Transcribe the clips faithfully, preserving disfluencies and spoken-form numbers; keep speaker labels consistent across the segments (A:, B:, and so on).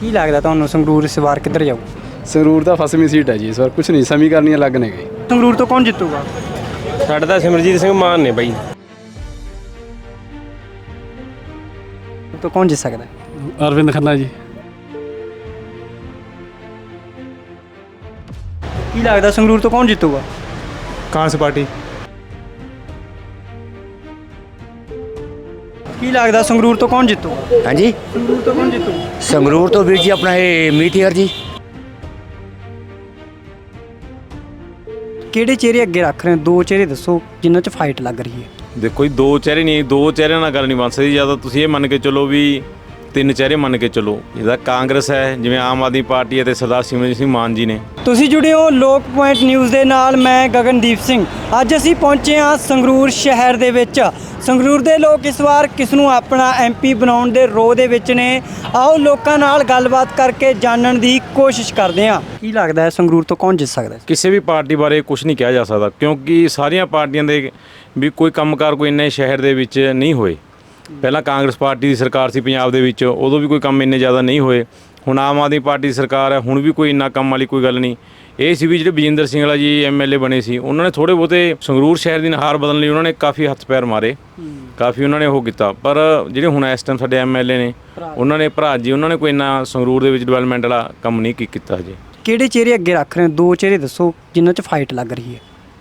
A: ਕੀ ਲੱਗਦਾ ਤੁਹਾਨੂੰ ਸੰਗਰੂਰ ਇਸ ਵਾਰ ਕਿੱਧਰ ਜਾਊ?
B: ਸੰਗਰੂਰ ਦਾ ਫਸਵੀਂ ਸੀਟ ਹੈ ਜੀ ਇਸ ਵਾਰ, ਕੁਝ ਨਹੀਂ ਸਮੀਕਰਨ ਅਲੱਗ ਨੇ ਗਏ।
A: ਸੰਗਰੂਰ ਤੋਂ ਕੌਣ ਜਿੱਤੂਗਾ?
C: ਸਾਡਾ ਤਾਂ ਸਿਮਰਜੀਤ ਸਿੰਘ ਮਾਨ ਨੇ ਬਾਈ।
A: ਤੋਂ ਕੌਣ ਜਿੱਤ ਸਕਦਾ?
B: ਅਰਵਿੰਦ ਖੰਨਾ ਜੀ।
A: ਕੀ ਲੱਗਦਾ ਸੰਗਰੂਰ ਤੋਂ ਕੌਣ ਜਿੱਤੂਗਾ?
B: ਕਾਂਗਰਸ ਪਾਰਟੀ।
A: ਕੀ ਲੱਗਦਾ ਸੰਗਰੂਰ ਤੋਂ ਕੌਣ ਜਿੱਤੂਗਾ?
D: हाँ जी,
A: ਸੰਗਰੂਰ ਤੋਂ ਕੌਣ ਜਿੱਤੂ?
D: संगरूर तो वीर जी अपना है मीठीहर जी।
A: ਕਿਹੜੇ ਚਿਹਰੇ ਅੱਗੇ ਰੱਖ ਰਹੇ ਹੋ? ਦੋ ਚਿਹਰੇ ਦੱਸੋ ਜਿਨ੍ਹਾਂ 'ਚ ਫਾਈਟ ਲੱਗ ਰਹੀ ਹੈ।
E: ਦੇਖੋ ਜੀ, ਦੋ ਚਿਹਰੇ ਨਹੀਂ, ਦੋ ਚਿਹਰਿਆਂ ਨਾਲ ਗੱਲ ਨਹੀਂ ਬਣ ਸਕਦੀ। ਜਾਂ ਤਾਂ ਤੁਸੀਂ ਇਹ ਮੰਨ ਕੇ ਚੱਲੋ ਵੀ ਤਿੰਨ ਚਿਹਰੇ ਮੰਨ ਕੇ ਚੱਲੋ। ਜਿਹਦਾ ਕਾਂਗਰਸ ਹੈ, ਜਿਵੇਂ ਆਮ ਆਦਮੀ ਪਾਰਟੀ ਅਤੇ ਸਰਦਾਰ ਸਿਮਰਜੀਤ ਸਿੰਘ ਮਾਨ ਜੀ ਨੇ।
A: ਤੁਸੀਂ ਜੁੜੇ ਹੋ ਲੋਕ ਪੁਆਇੰਟ ਨਿਊਜ਼ ਦੇ ਨਾਲ। ਮੈਂ ਗਗਨਦੀਪ ਸਿੰਘ। ਅੱਜ ਅਸੀਂ ਪਹੁੰਚੇ ਹਾਂ ਸੰਗਰੂਰ ਸ਼ਹਿਰ ਦੇ ਵਿੱਚ। ਸੰਗਰੂਰ ਦੇ ਲੋਕ ਇਸ ਵਾਰ ਕਿਸ ਨੂੰ ਆਪਣਾ ਐਮਪੀ ਬਣਾਉਣ ਦੇ ਰੋਹ ਦੇ ਵਿੱਚ ਨੇ। ਆਓ ਲੋਕਾਂ ਨਾਲ ਗੱਲਬਾਤ ਕਰਕੇ ਜਾਣਨ ਦੀ ਕੋਸ਼ਿਸ਼ ਕਰਦੇ ਹਾਂ। ਕੀ ਲੱਗਦਾ ਹੈ ਸੰਗਰੂਰ ਤੋਂ ਕੌਣ ਜਿੱਤ ਸਕਦਾ ਹੈ?
E: ਕਿਸੇ ਵੀ ਪਾਰਟੀ ਬਾਰੇ ਕੁਝ ਨਹੀਂ ਕਿਹਾ ਜਾ ਸਕਦਾ, ਕਿਉਂਕਿ ਸਾਰੀਆਂ ਪਾਰਟੀਆਂ ਦੇ ਵੀ ਕੋਈ ਕੰਮਕਾਰ ਕੋਈ ਇੰਨੇ ਸ਼ਹਿਰ ਦੇ ਵਿੱਚ ਨਹੀਂ ਹੋਏ। ਪਹਿਲਾਂ ਕਾਂਗਰਸ ਪਾਰਟੀ ਦੀ ਸਰਕਾਰ ਸੀ ਪੰਜਾਬ ਦੇ ਵਿੱਚ, ਉਦੋਂ ਵੀ ਕੋਈ ਕੰਮ ਇੰਨੇ ਜ਼ਿਆਦਾ ਨਹੀਂ ਹੋਏ। ਹੁਣ ਆਮ ਆਦਮੀ ਪਾਰਟੀ ਦੀ ਸਰਕਾਰ ਹੈ, ਹੁਣ ਵੀ ਕੋਈ ਇੰਨਾ ਕੰਮ ਵਾਲੀ ਕੋਈ ਗੱਲ ਨਹੀਂ। ਇਹ ਸੀ ਵੀ ਜਿਹੜੇ ਬਜਿੰਦਰ ਸਿੰਘ ਵਾਲਾ ਜੀ ਐਮ ਐਲ ਏ ਬਣੇ ਸੀ, ਉਹਨਾਂ ਨੇ ਥੋੜ੍ਹੇ ਬਹੁਤੇ ਸੰਗਰੂਰ ਸ਼ਹਿਰ ਦੀ ਨੁਹਾਰ ਬਦਲਣ ਲਈ ਉਹਨਾਂ ਨੇ ਕਾਫੀ ਹੱਥ ਪੈਰ ਮਾਰੇ, ਕਾਫੀ ਉਹਨਾਂ ਨੇ ਉਹ ਕੀਤਾ। ਪਰ ਜਿਹੜੇ ਹੁਣ ਇਸ ਟਾਈਮ ਸਾਡੇ ਐਮ ਐਲ ਏ ਨੇ, ਉਹਨਾਂ ਨੇ ਭਰਾ ਜੀ ਉਹਨਾਂ ਨੇ ਕੋਈ ਇੰਨਾ ਸੰਗਰੂਰ ਦੇ ਵਿੱਚ ਡਿਵੈਲਪਮੈਂਟ ਵਾਲਾ ਕੰਮ ਨਹੀਂ ਕੀ ਕੀਤਾ ਹਜੇ।
A: ਕਿਹੜੇ ਚਿਹਰੇ ਅੱਗੇ ਰੱਖ ਰਹੇ ਹੋ? ਦੋ ਚਿਹਰੇ ਦੱਸੋ ਜਿਨ੍ਹਾਂ 'ਚ ਫਾਈਟ ਲੱਗ ਰਹੀ ਹੈ।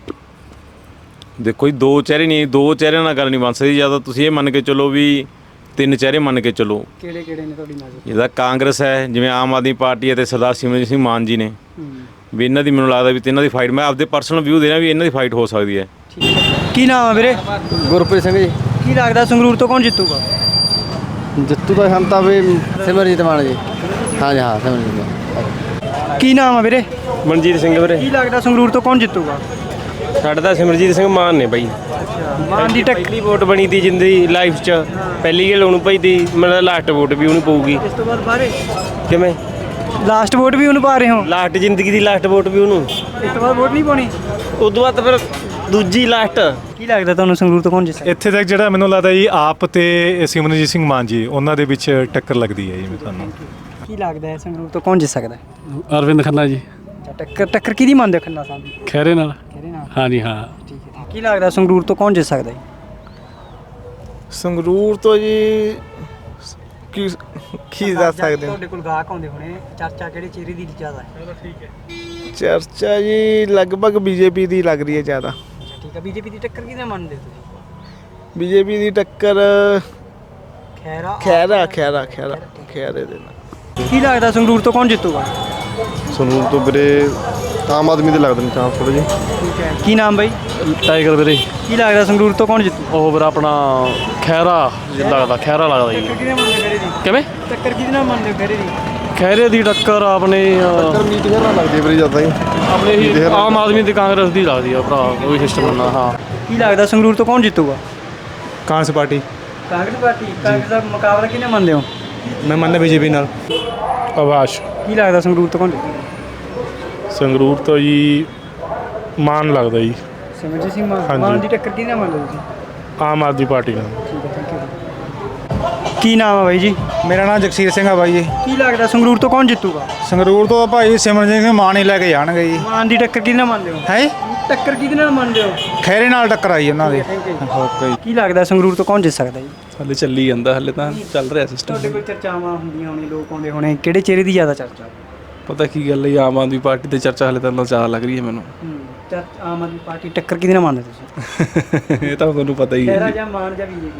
E: ਦੇਖੋ ਜੀ, ਦੋ ਚਿਹਰੇ ਨਹੀਂ, ਦੋ ਚਿਹਰਿਆਂ ਨਾਲ ਗੱਲ ਨਹੀਂ ਬਣ ਸਕਦੀ। ਜਾਂ ਤਾਂ ਤੁਸੀਂ ਇਹ ਮੰਨ ਕੇ ਚੱਲੋ ਵੀ ਤਿੰਨ ਚਿਹਰੇ ਮੰਨ ਕੇ ਚੱਲੋ।
A: ਕਿਹੜੇ ਕਿਹੜੇ ਨੇ ਤੁਹਾਡੀ ਨਜ਼ਰ?
E: ਜਿਹਦਾ ਕਾਂਗਰਸ ਹੈ, ਜਿਵੇਂ ਆਮ ਆਦਮੀ ਪਾਰਟੀ ਅਤੇ ਸਰਦਾਰ ਸਿਮਰਜੀਤ ਸਿੰਘ ਮਾਨ ਜੀ ਨੇ, ਵੀ ਇਹਨਾਂ ਦੀ ਮੈਨੂੰ ਲੱਗਦਾ ਵੀ ਤਿੰਨਾਂ ਦੀ ਫਾਈਟ, ਮੈਂ ਆਪਦੇ ਪਰਸਨਲ ਵਿਊ ਦੇਣਾ ਵੀ ਇਹਨਾਂ ਦੀ ਫਾਈਟ ਹੋ ਸਕਦੀ ਹੈ।
A: ਕੀ ਨਾਮ ਹੈ ਵੀਰੇ?
B: ਗੁਰਪ੍ਰੀਤ ਸਿੰਘ ਜੀ।
A: ਕੀ ਲੱਗਦਾ ਸੰਗਰੂਰ ਤੋਂ ਕੌਣ ਜਿੱਤੂਗਾ?
B: ਜਿੱਤੂ ਦਾ ਹਮ ਤਾਂ ਵੀ
D: सिमरजीत मान जी। हाँ जी, हाँ सिमरजीत मान।
A: ਕੀ ਨਾਮ ਹੈ ਵੀਰੇ?
C: ਮਨਜੀਤ ਸਿੰਘ ਵੀਰੇ।
A: ਕੀ ਲੱਗਦਾ ਸੰਗਰੂਰ ਤੋਂ ਕੌਣ ਜਿੱਤੂਗਾ?
C: ਸਾਡਾ ਤਾਂ ਸਿਮਰਜੀਤ ਸਿੰਘ ਮਾਨ ਨੇ ਬਾਈ।
A: ਮਾਨ ਦੀ ਟੱਕ
C: ਪਹਿਲੀ ਵੋਟ ਬਣੀ ਤੀ ਜਿੰਦੀ ਲਾਈਫ 'ਚ, ਪਹਿਲੀ ਗੱਲ ਉਹਨੂੰ ਪਈ ਤੀ। ਮੇਰਾ ਲਾਸਟ ਵੋਟ ਵੀ ਉਹਨੂੰ ਪਊਗੀ।
A: ਇਸ ਤੋਂ ਬਾਅਦ ਬਾਰੇ
C: ਕਿਵੇਂ
A: ਲਾਸਟ ਵੋਟ ਵੀ ਉਹਨੂੰ ਪਾ ਰਹੇ ਹੋ?
C: ਲਾਸਟ ਜ਼ਿੰਦਗੀ ਦੀ ਲਾਸਟ ਵੋਟ ਵੀ ਉਹਨੂੰ।
A: ਇਸ ਤੋਂ ਬਾਅਦ ਵੋਟ ਨਹੀਂ ਪਾਉਣੀ?
C: ਉਦੋਂ ਬਾਅਦ ਫਿਰ ਦੂਜੀ ਲਾਸਟ।
A: ਕੀ ਲੱਗਦਾ ਤੁਹਾਨੂੰ ਸੰਗਰੂਰ ਤੋਂ ਕੌਣ ਜਿੱਤ ਸਕਦਾ?
F: ਇੱਥੇ ਤੱਕ ਜਿਹੜਾ ਮੈਨੂੰ ਲੱਗਦਾ ਜੀ ਆਪ ਤੇ ਸਿਮਰਨਜੀਤ ਸਿੰਘ ਮਾਨ ਜੀ, ਉਹਨਾਂ ਦੇ ਵਿੱਚ ਟੱਕਰ ਲੱਗਦੀ ਹੈ ਜੀ ਤੁਹਾਨੂੰ।
A: ਕੀ ਲੱਗਦਾ ਹੈ ਸੰਗਰੂਰ ਤੋਂ ਕੌਣ ਜਿੱਤ ਸਕਦਾ ਹੈ?
B: ਅਰਵਿੰਦ ਖੰਨਾ ਜੀ।
A: ਟੱਕਰ ਟੱਕਰ ਕਿਹਦੀ ਮੰਨਦੇ ਹੋ ਖੰਨਾ ਸਾਹਿਬ ਦੀ?
B: ਖੈਰੇ ਨਾਲ।
A: ਕਿਹਦੇ ਨਾਲ?
B: ਹਾਂ ਜੀ, ਹਾਂ।
A: ਠੀਕ ਹੈ। ਕੀ ਲੱਗਦਾ ਸੰਗਰੂਰ ਤੋਂ ਕੌਣ ਜਿੱਤ ਸਕਦਾ ਹੈ?
G: ਸੰਗਰੂਰ ਤੋਂ ਜੀ ਕੀ ਕੀ ਦੱਸ ਸਕਦੇ ਹੋ?
A: ਤੁਹਾਡੇ ਕੋਲ ਗਾਹਕ ਆਉਂਦੇ ਹੋਣੇ, ਚਰਚਾ ਕਿਹੜੇ ਚਿਹਰੇ ਦੀ ਜ਼ਿਆਦਾ ਹੈ? ਠੀਕ ਹੈ।
G: ਚਰਚਾ ਜੀ ਲਗਭਗ ਬੀਜੇਪੀ ਦੀ ਲੱਗ ਰਹੀ ਹੈ ਜ਼ਿਆਦਾ।
A: ਠੀਕ ਹੈ। ਬੀਜੇਪੀ ਦੀ ਟੱਕਰ ਕਿਹਦੇ ਮੰਨਦੇ ਤੁਸੀਂ?
G: ਬੀਜੇਪੀ ਦੀ ਟੱਕਰ
A: ਖੈਰਾ
G: ਖੈਰਾ ਖੈਰਾ ਖੈਰਾ ਖੈਰੇ ਦੇ ਨਾਲ।
A: ਕੀ ਲੱਗਦਾ ਸੰਗਰੂਰ ਤੋਂ ਕੌਣ ਜਿੱਤੂਗਾ?
H: ਸੰਗਰੂਰ ਤੋਂ ਵੀਰੇ ਆਮ ਆਦਮੀ ਦੇ ਲੱਗਦੇ ਨੇ ਚਾਂਸ ਥੋੜ੍ਹੇ ਜਿਹੇ।
A: ਠੀਕ ਹੈ। ਕੀ ਨਾਮ ਬਾਈ?
B: ਟਾਈਗਰ ਵੀਰੇ।
A: ਕੀ ਲੱਗਦਾ ਸੰਗਰੂਰ ਤੋਂ ਕੌਣ ਜਿੱਤੂ?
B: ਉਹ ਵੀਰਾ ਆਪਣਾ ਖੈਰਾ ਲੱਗਦਾ, ਖੈਰਾ ਲੱਗਦਾ ਜੀ।
A: ਟੱਕਰ ਕਿਹਦੇ ਮੰਨਦੇ ਖੈਰੇ ਦੀ?
B: ਕਿਵੇਂ?
A: ਟੱਕਰ ਕਿਹਦੇ ਨਾਲ ਮੰਨਦੇ ਹੋ ਖੈਰੇ ਦੀ?
B: ਖੈਰੇ ਦੀ ਟੱਕਰ ਆਪਣੇ
H: ਟੱਕਰ ਮੀਟਿੰਗਾਂ ਨਾਲ ਲੱਗਦੀ ਵੀਰੇ ਜ਼ਿਆਦਾ ਹੀ।
B: ਆਪਣੇ ਹੀ ਆਮ ਆਦਮੀ ਤੇ ਕਾਂਗਰਸ ਦੀ ਲੱਗਦੀ ਆ ਭਰਾ, ਉਹੀ ਸਿਸਟਮ ਹੁੰਦਾ। ਹਾਂ।
A: ਕੀ ਲੱਗਦਾ ਸੰਗਰੂਰ ਤੋਂ ਕੌਣ ਜਿੱਤੂਗਾ?
F: ਕਾਂਗਰਸ ਪਾਰਟੀ।
A: ਕਾਂਗਰਸ ਪਾਰਟੀ। ਕਾਂਗਰਸ ਦਾ ਮੁਕਾਬਲਾ ਕਿਹਨੇ ਮੰਨਦੇ ਹੋ?
F: ਮੈਂ ਮੰਨਦਾ ਬੀਜੇਪੀ ਨਾਲ।
B: ਆਵਾਸ਼।
A: ਕੀ ਲੱਗਦਾ ਸੰਗਰੂਰ ਤੋਂ ਕੌਣ ਜਿੱਤੂਗਾ?
B: ਸੰਗਰੂਰ ਤੋਂ ਜੀ ਮਾਨ ਲੱਗਦਾ ਜੀ।
A: ਸਿਮਰਜੀਤ ਸਿੰਘ ਮਾਨ।
B: ਹਾਂਜੀ।
A: ਮਾਨ ਦੀ ਟੱਕਰ ਕਿਹਦੇ ਨਾਲ ਮੰਨਦੇ ਹੋ ਤੁਸੀਂ?
B: ਆਮ ਆਦਮੀ ਪਾਰਟੀ ਨਾਲ।
A: ਠੀਕ ਹੈ। Thank you. ਕੀ ਨਾਮ ਹੈ ਬਾਈ ਜੀ?
F: ਮੇਰਾ ਨਾਮ ਜਗਸੀਰ ਸਿੰਘ ਆ ਬਾਈ ਜੀ।
A: ਕੀ ਲੱਗਦਾ ਸੰਗਰੂਰ ਤੋਂ ਕੌਣ ਜਿੱਤੂਗਾ?
F: ਸੰਗਰੂਰ ਤੋਂ ਭਾਈ ਸਿਮਰਨਜੀਤ ਸਿੰਘ ਮਾਨ ਹੀ ਲੈ ਕੇ ਜਾਣਗੇ ਜੀ।
A: ਮਾਨ ਦੀ ਟੱਕਰ ਕਿਹਦੇ ਨਾਲ ਮੰਨਦੇ ਹੋ?
F: ਹੈ
A: ਟੱਕਰ ਕਿਹਦੇ ਨਾਲ ਮੰਨਦੇ ਹੋ?
F: ਖੈਰੇ ਨਾਲ ਟੱਕਰ ਆਈ ਉਹਨਾਂ ਦੀ।
A: ਓਕੇ। ਕੀ ਲੱਗਦਾ ਸੰਗਰੂਰ ਤੋਂ ਕੌਣ ਜਿੱਤ ਸਕਦਾ ਜੀ?
B: ਹਲੇ ਚੱਲੀ ਜਾਂਦਾ, ਹਲੇ ਤਾਂ ਚੱਲ ਰਿਹਾ ਸਿਸਟਮ।
A: ਤੁਹਾਡੇ ਕੋਲ ਚਰਚਾਵਾਂ ਹੁੰਦੀਆਂ ਹੋਣੀਆਂ, ਲੋਕ ਆਉਂਦੇ ਹੋਣੇ, ਕਿਹੜੇ ਚਿਹਰੇ ਦੀ ਜ਼ਿਆਦਾ ਚਰਚਾ?
B: ਪਤਾ ਕੀ ਗੱਲ ਹੈ, ਆਮ ਆਦਮੀ ਪਾਰਟੀ ਤੇ ਚਰਚਾ ਹਲੇ ਤਾਂ ਜ਼ਿਆਦਾ ਲੱਗ ਰਹੀ ਹੈ ਮੈਨੂੰ।
A: ਹੂੰ। ਚਰਚਾ ਆਮ ਆਦਮੀ ਪਾਰਟੀ ਟੱਕਰ ਕਿਹਦੇ ਨਾਲ ਮੰਨਦੇ ਤੁਸੀਂ?
B: ਇਹ ਤਾਂ ਤੁਹਾਨੂੰ ਪਤਾ ਹੀ
A: ਖੈਰਾ
B: ਹੈ।
A: ਜਾਂ ਮਾਨ ਜਾਂ ਬੀਜੇਪੀ?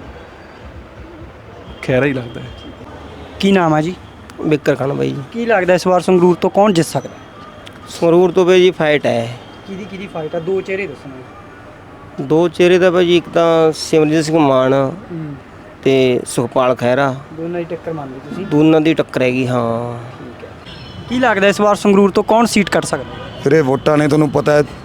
B: ਖੈਰਾ ਹੀ ਲੱਗਦਾ ਹੈ।
A: ਕੀ ਨਾਮ ਹੈ ਜੀ?
D: बिक्कर खान भाई।
A: ਕੀ ਲੱਗਦਾ ਇਸ ਵਾਰ ਸੰਗਰੂਰ ਤੋਂ ਕੌਣ ਜਿੱਤ ਸਕਦਾ?
D: संगरूर तो भाई जी फाइट है।
A: ਕਿਹਦੀ ਕਿਹਦੀ ਫਾਈਟ ਆ? ਦੋ ਚਿਹਰੇ ਦੱਸਣਾ।
D: दो चेहरे तो भाई जी, एक तो सिमरजीत सिंह मान ते सुखपाल खैरा,
A: ਦੋਨਾਂ ਦੀ ਟੱਕਰ ਮੰਨਦੇ ਤੁਸੀਂ?
D: दोनों की टक्कर हैगी। हाँ।
A: ਠੀਕ ਹੈ। ਕੀ ਲੱਗਦਾ ਇਸ ਵਾਰ ਸੰਗਰੂਰ ਤੋਂ ਕੌਣ ਸੀਟ ਕੱਢ ਸਕਦਾ?
H: ਵੀਰੇ ਵੋਟਾਂ ਨੇ ਤੁਹਾਨੂੰ ਪਤਾ ਹੈ,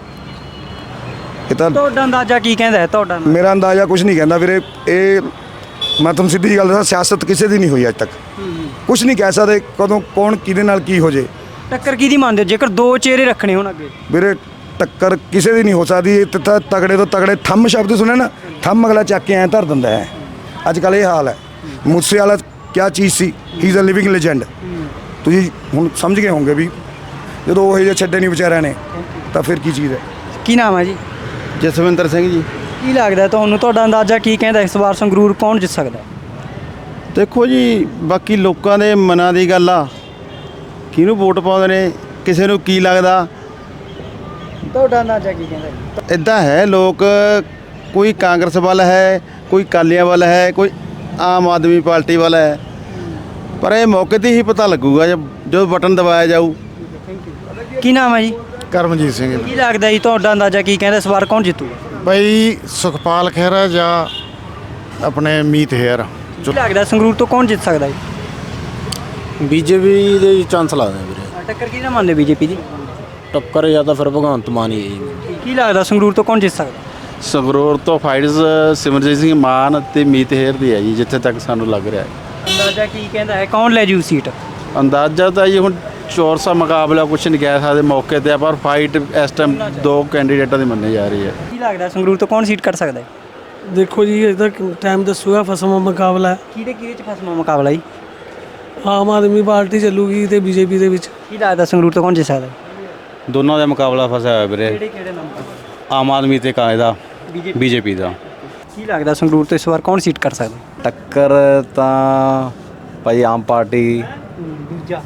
H: ਇਹ ਤਾਂ
A: ਤੁਹਾਡਾ ਅੰਦਾਜ਼ਾ ਕੀ ਕਹਿੰਦਾ ਹੈ? ਤੁਹਾਡਾ
H: ਮੇਰਾ ਅੰਦਾਜ਼ਾ ਕੁਝ ਨਹੀਂ ਕਹਿੰਦਾ ਵੀਰੇ। ਇਹ ਮੈਂ ਤੁਹਾਨੂੰ ਸਿੱਧੀ ਗੱਲ ਦੱਸਾਂ, ਸਿਆਸਤ ਕਿਸੇ ਦੀ ਨਹੀਂ ਹੋਈ ਅੱਜ ਤੱਕ। ਕੁਝ ਨਹੀਂ ਕਹਿ ਸਕਦੇ ਕਦੋਂ ਕੌਣ ਕਿਹਦੇ ਨਾਲ ਕੀ ਹੋ ਜੇ।
A: ਟੱਕਰ ਕਿਹਦੀ ਮੰਨਦੇ ਹੋ ਜੇਕਰ ਦੋ ਚਿਹਰੇ ਰੱਖਣੇ ਹੋਣ ਅੱਗੇ?
H: ਵੀਰੇ ਟੱਕਰ ਕਿਸੇ ਦੀ ਨਹੀਂ ਹੋ ਸਕਦੀ। ਇਹ ਤਾਂ ਤਗੜੇ ਤੋਂ ਤਗੜੇ ਥੰਮ ਸ਼ਬਦ ਸੁਣੇ ਨਾ, ਥੰਮ ਅਗਲਾ ਚੱਕ ਕੇ ਐਂ ਧਰ ਦਿੰਦਾ ਹੈ। ਅੱਜ ਕੱਲ੍ਹ ਇਹ ਹਾਲ ਹੈ। ਮੂਸੇ ਵਾਲਾ ਕਿਆ ਚੀਜ਼ ਸੀ? He is a living legend. ਤੁਸੀਂ ਹੁਣ ਸਮਝ ਗਏ ਹੋਵੋਗੇ ਵੀ ਜਦੋਂ ਉਹ ਜਿਹੇ ਛੱਡੇ ਨਹੀਂ ਵਿਚਾਰਿਆਂ ਨੇ ਤਾਂ ਫਿਰ ਕੀ ਚੀਜ਼ ਹੈ।
A: ਕੀ ਨਾਮ ਹੈ ਜੀ?
D: ਜਸਵਿੰਦਰ ਸਿੰਘ ਜੀ।
A: ਕੀ ਲੱਗਦਾ ਤੁਹਾਨੂੰ, ਤੁਹਾਡਾ ਅੰਦਾਜ਼ਾ ਕੀ ਕਹਿੰਦਾ ਇਸ ਵਾਰ ਸੰਗਰੂਰ ਕੌਣ ਜਿੱਤ ਸਕਦਾ?
D: ਦੇਖੋ ਜੀ, ਬਾਕੀ ਲੋਕਾਂ ਦੇ ਮਨਾਂ ਦੀ ਗੱਲ ਆ, ਕਿਹਨੂੰ ਵੋਟ ਪਾਉਂਦੇ ਨੇ, ਕਿਸੇ ਨੂੰ ਕੀ ਲੱਗਦਾ।
A: ਤੁਹਾਡਾ ਅੰਦਾਜ਼ਾ ਕੀ ਕਹਿੰਦਾ ਜੀ?
D: ਇੱਦਾਂ ਹੈ, ਲੋਕ ਕੋਈ ਕਾਂਗਰਸ ਵੱਲ ਹੈ, ਕੋਈ ਅਕਾਲੀਆਂ ਵੱਲ ਹੈ, ਕੋਈ ਆਮ ਆਦਮੀ ਪਾਰਟੀ ਵੱਲ ਹੈ, ਪਰ ਇਹ ਮੌਕੇ 'ਤੇ ਹੀ ਪਤਾ ਲੱਗੂਗਾ ਜਦ ਜਦੋਂ ਬਟਨ ਦਬਾਇਆ ਜਾਊ।
A: ਕੀ ਨਾਮ ਹੈ ਜੀ?
G: ਕਰਮਜੀਤ ਸਿੰਘ
A: ਕੀ ਲੱਗਦਾ ਜੀ, ਤੁਹਾਡਾ ਅੰਦਾਜ਼ਾ ਕੀ ਕਹਿੰਦਾ ਇਸ ਵਾਰ ਕੌਣ ਜਿੱਤੂਗਾ?
G: ਬਈ ਸੁਖਪਾਲ ਖਹਿਰਾ ਜਾਂ ਆਪਣੇ ਮੀਤ ਹੇਅਰ।
A: ਕੀ ਲੱਗਦਾ ਸੰਗਰੂਰ ਤੋਂ ਕੌਣ ਜਿੱਤ ਸਕਦਾ ਜੀ?
I: ਬੀਜੇਪੀ ਦੇ ਚਾਂਸ ਲੱਗਦੇ ਵੀਰੇ।
A: ਟੱਕਰ ਕੀ ਨਾ ਮੰਨਦੇ ਬੀਜੇਪੀ ਦੀ?
I: ਟੱਕਰ ਜਾਂ ਤਾਂ ਫਿਰ ਭਗਵੰਤ ਮਾਨ ਹੀ ਹੈ ਜੀ।
A: ਕੀ ਲੱਗਦਾ ਸੰਗਰੂਰ ਤੋਂ ਕੌਣ ਜਿੱਤ ਸਕਦਾ?
C: ਸੰਗਰੂਰ ਤੋਂ ਫਾਈਟਸ ਸਿਮਰਜੀਤ ਸਿੰਘ ਮਾਨ ਤੇ ਮੀਤ ਹੇਅਰ ਦੀ ਹੈ ਜੀ, ਜਿੱਥੇ ਤੱਕ ਸਾਨੂੰ ਲੱਗ ਰਿਹਾ ਹੈ।
A: ਅੰਦਾਜ਼ਾ ਕੀ ਕਹਿੰਦਾ ਹੈ, ਕੌਣ ਲੈ ਜੂ ਸੀਟ?
C: ਅੰਦਾਜ਼ਾ ਤਾਂ ਜੀ ਹੁਣ ਚੋਰਸਾ ਮੁਕਾਬਲਾ ਕੁਛ ਨਹੀਂ ਕਹਿ ਸਕਦੇ ਮੌਕੇ ਤੇ, ਪਰ ਫਾਈਟ ਇਸ ਟਾਈਮ ਦੋ ਕੈਂਡੀਡੇਟਾਂ ਦੀ ਮੰਨੀ ਜਾ ਰਹੀ ਹੈ।
A: ਕੀ ਲੱਗਦਾ ਸੰਗਰੂਰ ਤੋਂ ਕੌਣ ਸੀਟ ਕੱਢ ਸਕਦਾ ਹੈ?
J: ਦੇਖੋ ਜੀ, ਇਹਦਾ ਟਾਈਮ ਦੱਸੂਗਾ। ਫਸਵਾਂ ਮੁਕਾਬਲਾ ਹੈ।
A: ਕਿਹਦੇ ਕਿਹਦੇ ਚ ਫਸਮਾ ਮੁਕਾਬਲਾ ਜੀ?
J: ਆਮ ਆਦਮੀ ਪਾਰਟੀ ਚੱਲੂਗੀ ਤੇ ਬੀਜੇਪੀ ਦੇ ਵਿੱਚ।
A: ਕੀ ਲੱਗਦਾ ਸੰਗਰੂਰ ਤੋਂ ਕੌਣ ਜਿੱਤ ਸਕਦਾ ਹੈ?
C: ਦੋਨਾਂ ਦਾ ਮੁਕਾਬਲਾ ਫਸਿਆ ਹੋਇਆ ਵੀਰੇ,
A: ਕਿਹੜੇ ਕਿਹੜੇ ਨਾਮ?
C: ਆਮ ਆਦਮੀ ਤੇ ਕਾਂਗਰਸ ਦਾ, ਬੀਜੇਪੀ ਦਾ।
A: ਕੀ ਲੱਗਦਾ ਸੰਗਰੂਰ ਤੋਂ ਇਸ ਵਾਰ ਕੌਣ ਸੀਟ ਕਰ ਸਕਦਾ?
I: ਟੱਕਰ ਤਾਂ ਭਾਈ ਆਮ ਪਾਰਟੀ
A: ਦੂਜਾ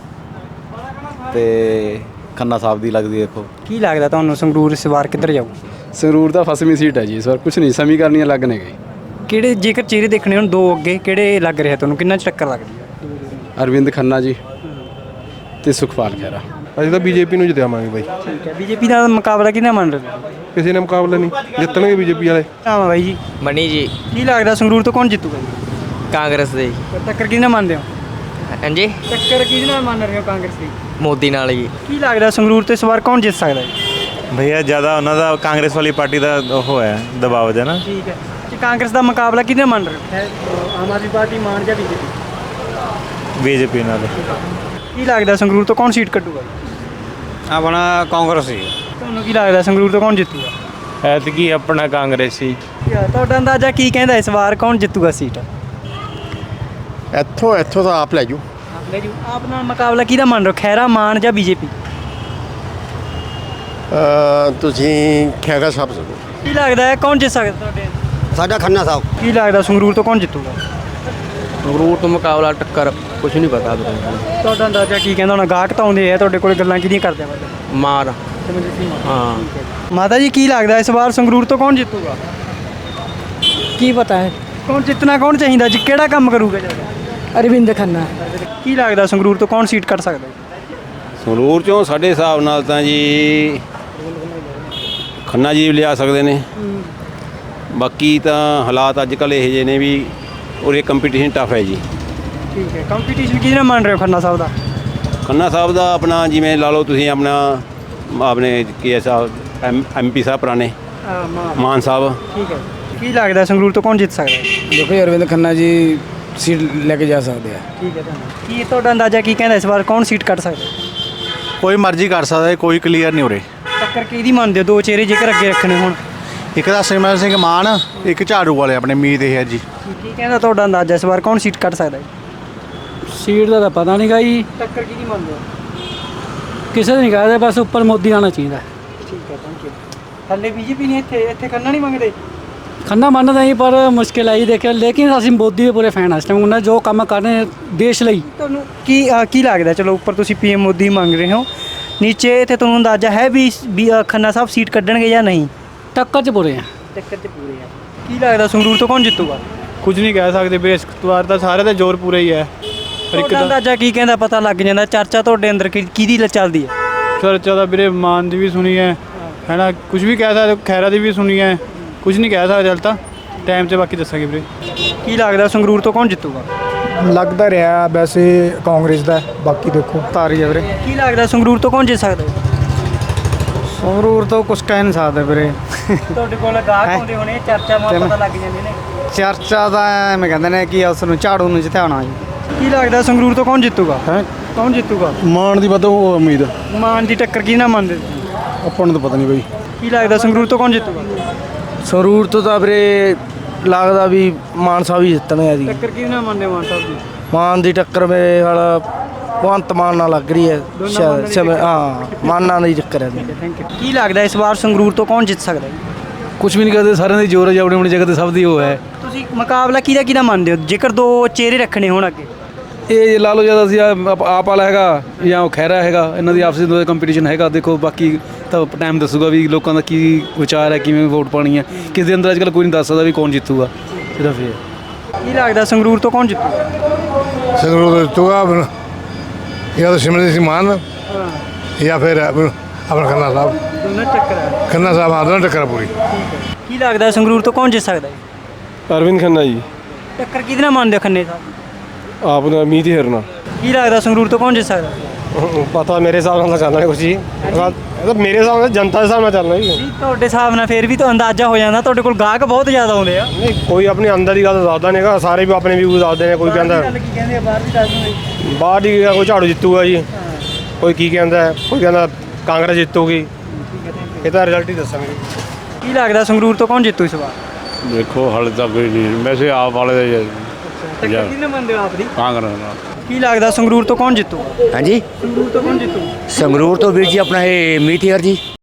I: ਤੇ ਖੰਨਾ ਸਾਹਿਬ ਦੀ ਲੱਗਦੀ ਦੇਖੋ।
A: ਕੀ ਲੱਗਦਾ ਤੁਹਾਨੂੰ ਸੰਗਰੂਰ ਇਸ ਵਾਰ ਕਿੱਧਰ ਜਾਊ?
B: ਸੰਗਰੂਰ ਦਾ ਫਸਵੀਂ ਸੀਟ ਹੈ ਜੀ ਇਸ ਵਾਰ, ਕੁਝ ਨਹੀਂ ਸਮੀਕਰਨੀਆਂ ਲੱਗ ਨੇ ਗਈ।
A: ਕਿਹੜੇ ਜੇਕਰ ਚਿਹਰੇ ਦੇਖਣੇ ਹੋਣ ਦੋ ਅੱਗੇ, ਕਿਹੜੇ ਲੱਗ ਰਿਹਾ ਤੁਹਾਨੂੰ, ਕਿੰਨਾ ਚ ਟੱਕਰ ਲੱਗਦੀ ਹੈ?
B: ਅਰਵਿੰਦ ਖੰਨਾ ਜੀ ਤੇ ਸੁਖਪਾਲ ਖਹਿਰਾ।
F: ਅਸੀਂ ਤਾਂ ਬੀਜੇਪੀ ਨੂੰ ਜਿਤਾਵਾਂਗੇ ਬਾਈ,
A: ਠੀਕ ਹੈ। ਬੀਜੇਪੀ ਦਾ ਮੁਕਾਬਲਾ ਕਿਹਨਾਂ ਮੰਨ ਰਹੇ ਹੋ?
F: ਕਿਸੇ ਨੇ ਮੁਕਾਬਲਾ ਨਹੀਂ, ਜਿੱਤਣਗੇ ਬੀਜੇਪੀ ਵਾਲੇ।
A: ਨਾਮ ਹੈ ਬਾਈ ਜੀ?
K: ਮਣੀ ਜੀ।
A: ਕੀ ਲੱਗਦਾ ਸੰਗਰੂਰ ਤੋਂ ਕੌਣ ਜਿੱਤੂਗਾ ਜੀ?
K: ਕਾਂਗਰਸ ਦੇ।
A: ਟੱਕਰ ਕਿਹਦੇ ਨਾਲ ਮੰਨਦੇ ਹੋ?
K: ਹਾਂਜੀ,
A: ਟੱਕਰ ਕਿਹਦੇ ਨਾਲ ਮੰਨ ਰਹੇ ਹੋ ਕਾਂਗਰਸ ਦੀ?
K: ਮੋਦੀ ਨਾਲ ਜੀ।
A: ਕੀ ਲੱਗਦਾ ਸੰਗਰੂਰ ਤੋਂ ਇਸ ਵਾਰ ਕੌਣ ਜਿੱਤ ਸਕਦਾ ਹੈ?
L: ਭਈਆ ਜ਼ਿਆਦਾ ਉਹਨਾਂ ਦਾ ਕਾਂਗਰਸ ਵਾਲੀ ਪਾਰਟੀ ਦਾ ਉਹ ਹੈ ਦਬਾਅ ਹੈ ਨਾ।
A: ਠੀਕ ਹੈ ਜੀ। ਕਾਂਗਰਸ ਦਾ ਮੁਕਾਬਲਾ ਕਿਹਦੇ ਨਾਲ ਮੰਨ ਰਹੇ ਹੋ? ਆਮ ਆਦਮੀ ਪਾਰਟੀ ਮਾਨ ਜਾਂ ਬੀਜੇਪੀ?
L: ਬੀਜੇਪੀ ਨਾਲ।
A: ਕੀ ਲੱਗਦਾ ਸੰਗਰੂਰ ਤੋਂ ਕੌਣ ਸੀਟ ਕੱਢੂਗਾ?
L: ਆਪਣਾ ਕਾਂਗਰਸ ਹੀ।
A: ਤੁਹਾਨੂੰ ਕੀ ਲੱਗਦਾ ਸੰਗਰੂਰ ਤੋਂ ਕੌਣ ਜਿੱਤੂਗਾ?
E: ਐਤਕੀ ਆਪਣਾ ਕਾਂਗਰਸੀ।
A: ਤੁਹਾਡਾ ਅੰਦਾਜ਼ਾ ਕੀ ਕਹਿੰਦਾ ਇਸ ਵਾਰ ਕੌਣ ਜਿੱਤੂਗਾ ਸੀਟ?
G: ਇੱਥੋਂ ਇੱਥੋਂ ਤਾਂ ਆਪ ਲੈ ਜੂ।
A: ਆਪ ਲੈ ਜੂ। ਆਪ ਨਾਲ ਮੁਕਾਬਲਾ ਕਿਹਦਾ ਮੰਨ ਰਹੇ ਹੋ, ਖੈਰਾ, ਮਾਨ ਜਾਂ ਬੀਜੇਪੀ?
G: ਤੁਸੀਂ ਖੈਰਾ ਸਾਹਿਬ ਸਕੋ।
A: ਕੀ ਲੱਗਦਾ ਹੈ ਕੌਣ ਜਿੱਤ ਸਕਦਾ ਤੁਹਾਡੇ?
D: ਸਾਡਾ ਖੰਨਾ ਸਾਹਿਬ।
A: ਕੀ ਲੱਗਦਾ ਸੰਗਰੂਰ ਤੋਂ ਕੌਣ ਜਿੱਤੂਗਾ?
I: ਸੰਗਰੂਰ ਤੋਂ ਮੁਕਾਬਲਾ ਟੱਕਰ ਕੁਝ ਨਹੀਂ ਪਤਾ ਵੀਰੇ।
A: ਤੁਹਾਡਾ ਅੰਦਾਜ਼ਾ ਕੀ ਕਹਿੰਦਾ ਹੁਣ? ਗਾਹਕ ਤਾਂ ਆਉਂਦੇ ਆ ਤੁਹਾਡੇ ਕੋਲ, ਗੱਲਾਂ ਕਿਹਦੀਆਂ ਕਰਦੇ ਆ?
I: ਮਾਰ ਹਾਂ।
A: ਮਾਤਾ ਜੀ ਕੀ ਲੱਗਦਾ ਇਸ ਵਾਰ ਸੰਗਰੂਰ ਤੋਂ ਕੌਣ ਜਿੱਤੂਗਾ?
J: ਕੀ ਪਤਾ ਹੈ?
A: ਕੌਣ ਜਿੱਤਣਾ ਕੌਣ ਚਾਹੀਦਾ ਜੀ, ਕਿਹੜਾ ਕੰਮ ਕਰੂਗਾ ਜ਼ਿਆਦਾ?
J: ਅਰਵਿੰਦ ਖੰਨਾ।
A: ਕੀ ਲੱਗਦਾ ਸੰਗਰੂਰ ਤੋਂ ਕੌਣ ਸੀਟ ਕੱਢ ਸਕਦਾ?
C: ਸੰਗਰੂਰ ਚੋਂ ਸਾਡੇ ਹਿਸਾਬ ਨਾਲ ਤਾਂ ਜੀ ਖੰਨਾ ਜੀ ਲਿਆ ਸਕਦੇ ਨੇ। ਬਾਕੀ ਤਾਂ ਹਾਲਾਤ ਅੱਜ ਕੱਲ੍ਹ ਇਹੋ ਜਿਹੇ ਨੇ ਵੀ ਉਰੇ ਕੰਪੀਟੀਸ਼ਨ ਟਫ ਹੈ ਜੀ।
A: ਠੀਕ ਹੈ। ਕੰਪੀਟੀਸ਼ਨ ਕਿਹਦੇ ਨਾਲ ਮੰਨ ਰਹੇ ਹੋ ਖੰਨਾ ਸਾਹਿਬ ਦਾ?
C: ਖੰਨਾ ਸਾਹਿਬ ਦਾ ਆਪਣਾ ਜਿਵੇਂ ਲਾ ਲਓ ਤੁਸੀਂ ਆਪਣਾ ਆਪਣੇ ਕੀ ਸਾਹਿਬ ਐਮ ਐਮ ਪੀ ਸਾਹਿਬ ਪੁਰਾਣੇ ਮਾਨ ਸਾਹਿਬ।
A: ਠੀਕ ਹੈ। ਕੀ ਲੱਗਦਾ ਸੰਗਰੂਰ ਤੋਂ ਕੌਣ ਜਿੱਤ ਸਕਦਾ?
I: ਦੇਖੋ ਅਰਵਿੰਦ ਖੰਨਾ ਜੀ ਸੀਟ ਲੈ ਕੇ ਜਾ ਸਕਦੇ ਆ।
A: ਠੀਕ ਹੈ। ਕੀ ਤੁਹਾਡਾ ਅੰਦਾਜ਼ਾ ਕੀ ਕਹਿੰਦਾ ਇਸ ਵਾਰ ਕੌਣ ਸੀਟ ਕੱਢ ਸਕਦਾ?
F: ਕੋਈ ਮਰਜ਼ੀ ਕਰ ਸਕਦਾ, ਕੋਈ ਕਲੀਅਰ ਨਹੀਂ ਉਰੇ।
A: ਟੱਕਰ ਕਿਹਦੀ ਮੰਨਦੇ ਹੋ, ਦੋ ਚਿਹਰੇ ਜੇਕਰ ਅੱਗੇ ਰੱਖਣੇ ਹੋਣ?
F: ਇੱਕ ਤਾਂ ਸਿਮਰਨ ਸਿੰਘ ਮਾਨ, ਇੱਕ ਝਾੜੂ ਵਾਲੇ ਆਪਣੇ ਮੀਤ ਹੇਅਰ ਜੀ।
A: ਕੀ ਕਹਿੰਦਾ ਤੁਹਾਡਾ ਅੰਦਾਜ਼ਾ ਇਸ ਵਾਰ ਕੌਣ ਸੀਟ ਕੱਢ ਸਕਦਾ?
J: ਸੀਟ ਦਾ ਤਾਂ ਪਤਾ ਨਹੀਂ ਗਾ ਜੀ,
A: ਟੱਕਰ ਕਿਹਦੀ ਮੰਨਦੇ ਹੋ?
J: ਕਿਸੇ ਦੇ ਨਹੀਂ ਕਹਦੇ, ਬਸ ਉੱਪਰ ਮੋਦੀ ਆਉਣਾ ਚਾਹੀਦਾ।
A: ਠੀਕ ਹੈ, ਥੈਂਕ ਯੂ। ਹੱਲੇ ਬੀਜੇਪੀ ਨਹੀਂ ਇੱਥੇ ਇੱਥੇ ਖੰਨਾ ਨਹੀਂ ਮੰਗਦੇ?
J: ਖੰਨਾ ਮੰਨਦਾ ਜੀ, ਪਰ ਮੁਸ਼ਕਿਲ ਆਈ ਦੇਖਿਆ। ਲੇਕਿਨ ਅਸੀਂ ਮੋਦੀ ਦੇ ਪੂਰੇ ਫੈਨ ਹਾਂ ਇਸ ਟਾਈਮ। ਉਹਨਾਂ ਜੋ ਕੰਮ ਕਰ ਰਹੇ ਦੇਸ਼ ਲਈ।
A: ਤੁਹਾਨੂੰ ਕੀ ਅ, ਕੀ ਲੱਗਦਾ? ਚਲੋ ਉੱਪਰ ਤੁਸੀਂ ਪੀਐਮ ਮੋਦੀ ਮੰਗ ਰਹੇ ਹੋ, ਨੀਚੇ ਇੱਥੇ ਤੁਹਾਨੂੰ ਅੰਦਾਜ਼ਾ ਹੈ ਵੀ ਵੀ, ਅ, ਖੰਨਾ ਸਾਹਿਬ ਸੀਟ ਕੱਢਣਗੇ ਜਾਂ ਨਹੀਂ?
J: ਟੱਕਰ 'ਚ ਪੂਰੇ ਆ।
A: ਟੱਕਰ 'ਚ ਪੂਰੇ ਆ। ਕੀ ਲੱਗਦਾ ਸੰਗਰੂਰ ਤੋਂ ਕੌਣ ਜਿੱਤੂਗਾ?
B: ਕੁਝ ਨਹੀਂ ਕਹਿ ਸਕਦੇ ਵੀਰੇ, ਇਸ ਵਾਰ ਤਾਂ ਸਾਰੇ ਦਾ ਜ਼ੋਰ ਪੂਰਾ ਹੀ ਹੈ। ਪਰ ਇੱਕ
A: ਤੁਹਾਡਾ
B: ਤਾਂ
A: ਅੰਦਾਜ਼ਾ ਕੀ ਕਹਿੰਦਾ, ਪਤਾ ਲੱਗ ਜਾਂਦਾ? ਚਰਚਾ ਤੁਹਾਡੇ ਅੰਦਰ ਕਿ- ਕਿਹਦੀ ਲ- ਚੱਲਦੀ ਹੈ?
B: ਚਰਚਾ ਦਾ ਵੀਰੇ ਮਾਨ ਦੀ ਵੀ ਸੁਣੀ ਹੈ ਹੈ ਨਾ, ਕੁਝ ਵੀ ਕਹਿ ਸਕਦੇ, ਖੈਰਾ ਦੀ ਵੀ ਸੁਣੀ ਹੈ। ਕੁਝ ਨਹੀਂ ਕਹਿ ਸਕਦੇ, ਚੱਲ ਤਾਂ ਟਾਈਮ 'ਤੇ ਬਾਕੀ ਦੱਸਾਂਗੇ ਵੀਰੇ।
A: ਕੀ ਲੱਗਦਾ ਸੰਗਰੂਰ ਤੋਂ ਕੌਣ ਜਿੱਤੂਗਾ?
M: ਲੱਗਦਾ ਰਿਹਾ ਵੈਸੇ ਕਾਂਗਰਸ ਦਾ, ਬਾਕੀ ਦੇਖੋ ਤਾਰੀ ਹੈ ਵੀਰੇ।
A: ਕੀ ਲੱਗਦਾ ਸੰਗਰੂਰ ਤੋਂ ਕੌਣ ਜਿੱਤ ਸਕਦਾ?
M: ਸੰਗਰੂਰ ਤੋਂ ਕੁਝ ਕਹਿ ਨਹੀਂ ਸਕਦਾ ਵੀਰੇ।
A: ਤੁਹਾਡੇ ਕੋਲ ਗਾਹਕ ਆਉਂਦੇ ਹੋਣੇ, ਚਰਚਾ ਮਾ ਪਤਾ ਲੱਗ ਜਾਂਦੇ ਨੇ।
M: ਚਰਚਾ ਦਾ ਐਵੇਂ ਕਹਿੰਦੇ ਨੇ ਕਿ ਉਸ ਨੂੰ ਝਾੜੂ ਨੂੰ ਜਿਤਾਉਣਾ ਜੀ।
A: ਕੀ ਲੱਗਦਾ ਸੰਗਰੂਰ ਤੋਂ ਕੌਣ ਜਿੱਤੂਗਾ? ਹੈ ਕੌਣ ਜਿੱਤੂਗਾ?
F: ਮਾਨ ਦੀ ਵੱਧ ਉਮੀਦ।
A: ਮਾਨ ਦੀ ਟੱਕਰ ਕੀ ਨਾ ਮੰਨਦੇ?
F: ਆਪਾਂ ਨੂੰ ਤਾਂ ਪਤਾ ਨਹੀਂ ਬਈ।
A: ਕੀ ਲੱਗਦਾ ਸੰਗਰੂਰ ਤੋਂ ਕੌਣ ਜਿੱਤੂਗਾ?
D: ਸੰਗਰੂਰ ਤੋਂ ਤਾਂ ਵੀਰੇ ਲੱਗਦਾ ਵੀ ਮਾਨ ਸਾਹਿਬ ਹੀ ਜਿੱਤਣਗੇ ਜੀ।
A: ਟੱਕਰ ਕੀ ਨਾ ਮੰਨਦੇ ਮਾਨ ਸਾਹਿਬ ਦੀ?
D: ਮਾਨ ਦੀ ਟੱਕਰ ਮੇਰੇ ਹਾਲ
M: ਭਗਵੰਤ ਮਾਨ ਨਾਲ ਲੱਗ ਰਹੀ ਹੈ ਸ਼ਾਇਦ ਸਮੇਂ ਹਾਂ ਮਾਨਾਂ ਦਾ ਹੀ ਚੱਕਰ ਹੈ
A: ਥੈਂਕ ਯੂ ਕੀ ਲੱਗਦਾ ਇਸ ਵਾਰ ਸੰਗਰੂਰ ਤੋਂ ਕੌਣ ਜਿੱਤ ਸਕਦਾ ਹੈ
J: ਕੁਝ ਵੀ ਨਹੀਂ ਕਰਦੇ ਸਾਰਿਆਂ ਦੀ ਜ਼ੋਰ ਹੈ ਆਪਣੀ ਆਪਣੀ ਜਗ੍ਹਾ ਤੇ ਸਭ ਦੀ ਉਹ ਹੈ
A: ਤੁਸੀਂ ਮੁਕਾਬਲਾ ਕਿਹਦਾ ਕਿਹਦਾ ਮੰਨਦੇ ਹੋ ਜੇਕਰ ਦੋ ਚਿਹਰੇ ਰੱਖਣੇ ਹੋਣ ਅੱਗੇ
J: ਇਹ ਲਾ ਲਓ ਜਿਆਦਾ ਅਸੀਂ ਆਪ ਆਪ ਵਾਲਾ ਹੈਗਾ ਜਾਂ ਉਹ ਖਹਿਰਾ ਹੈਗਾ ਇਹਨਾਂ ਦੀ ਆਪਸੀ ਦੋਵੇਂ ਕੰਪੀਟੀਸ਼ਨ ਹੈਗਾ ਦੇਖੋ ਬਾਕੀ ਤਾਂ ਟਾਈਮ ਦੱਸੂਗਾ ਵੀ ਲੋਕਾਂ ਦਾ ਕੀ ਵਿਚਾਰ ਹੈ ਕਿਵੇਂ ਵੋਟ ਪਾਣੀ ਹੈ ਕਿਸ ਦੇ ਅੰਦਰ ਅੱਜ ਕੱਲ੍ਹ ਕੋਈ ਨਹੀਂ ਦੱਸ ਸਕਦਾ ਵੀ ਕੌਣ ਜਿੱਤੂਗਾ ਸਿਰਫ ਇਹ
A: ਕੀ ਲੱਗਦਾ ਸੰਗਰੂਰ ਤੋਂ ਕੌਣ ਜਿੱਤੂ
G: ਸੰਗਰੂਰ ਤੋਂ ਜਿੱਤੂਗਾ ਜਾਂ ਤਾਂ ਸਿਮਰਜੀਤ ਸਿੰਘ ਮਾਨ ਜਾਂ ਫਿਰ ਆਪਣਾ ਖੰਨਾ ਸਾਹਿਬ
A: ਦੋਨਾਂ ਟੱਕਰ ਹੈ
G: ਖੰਨਾ ਸਾਹਿਬ ਹਾਂ ਦੋਨਾਂ ਟੱਕਰ ਪੂਰੀ
A: ਕੀ ਲੱਗਦਾ ਸੰਗਰੂਰ ਤੋਂ ਕੌਣ ਜਿੱਤ ਸਕਦਾ ਹੈ
B: ਅਰਵਿੰਦ ਖੰਨਾ ਜੀ
A: ਟੱਕਰ ਕਿਹਦੇ ਨਾਲ ਮੰਨਦੇ ਹੋ ਖੰਨੇ ਸਾਹਿਬ
B: ਆਪ ਦਾ ਮੀਤ ਹਿਰਨਾ
A: ਕੀ ਲੱਗਦਾ ਸੰਗਰੂਰ ਤੋਂ ਕੌਣ ਜਿੱਤ ਸਕਦਾ
B: ਪਤਾ ਮੇਰੇ ਹਿਸਾਬ ਨਾਲ ਤਾਂ ਚੱਲਣਾ ਨਹੀਂ ਕੁਛ ਜੀ ਇਹ ਤਾਂ ਮੇਰੇ ਹਿਸਾਬ ਨਾਲ ਜਨਤਾ ਦੇ ਹਿਸਾਬ ਨਾਲ ਚੱਲਣਾ ਜੀ
A: ਜੀ ਤੁਹਾਡੇ ਹਿਸਾਬ ਨਾਲ ਫੇਰ ਵੀ ਤਾਂ ਅੰਦਾਜ਼ਾ ਹੋ ਜਾਂਦਾ ਤੁਹਾਡੇ ਕੋਲ ਗਾਹਕ ਬਹੁਤ ਜ਼ਿਆਦਾ ਆਉਂਦੇ ਆ
B: ਨਹੀਂ ਕੋਈ ਆਪਣੀ ਅੰਦਰ ਦੀ ਗੱਲ ਦੱਸਦਾ ਨਹੀਂਗਾ ਸਾਰੇ ਵੀ ਆਪਣੇ ਵਿਊ ਦੱਸਦੇ ਨੇ ਕੋਈ ਕਹਿੰਦਾ
A: ਗੱਲ ਕੀ ਕਹਿੰਦੇ ਆ ਬਾਹਰ ਦੀ ਦੱਸ ਦਿਓ
B: ਬਾਹਰ ਦੀ ਕੋਈ ਝਾੜੂ ਜਿੱਤੂਗਾ ਜੀ ਕੋਈ ਕੀ ਕਹਿੰਦਾ ਕੋਈ ਕਹਿੰਦਾ ਕਾਂਗਰਸ ਜਿੱਤੂਗੀ ਇਹ ਤਾਂ ਰਿਜ਼ਲਟ ਹੀ ਦੱਸਾਂਗੇ
A: ਕੀ ਲੱਗਦਾ ਸੰਗਰੂਰ ਤੋਂ ਕੌਣ ਜਿੱਤੂ ਇਸ ਵਾਰ
B: ਦੇਖੋ ਹਾਲੇ ਤੱਕ ਕੋਈ ਨਹੀਂ ਵੈਸੇ ਆਪ ਵਾਲੇ ਦਾ
A: ਟੱਕਰ ਕਿਹਦੇ ਨਾਲ ਮੰਨਦੇ ਹੋ ਆਪ ਦੀ
B: ਕਾਂਗਰਸ ਨਾਲ
A: ਕੀ ਲੱਗਦਾ ਸੰਗਰੂਰ ਤੋਂ ਕੌਣ ਜਿੱਤੂ
N: ਹਾਂਜੀ
A: ਸੰਗਰੂਰ ਤੋਂ ਕੌਣ ਜਿੱਤੂ
N: ਸੰਗਰੂਰ ਤੋਂ ਵੀਰ ਜੀ ਆਪਣਾ ਇਹ ਮੀਤ ਹੇਅਰ ਜੀ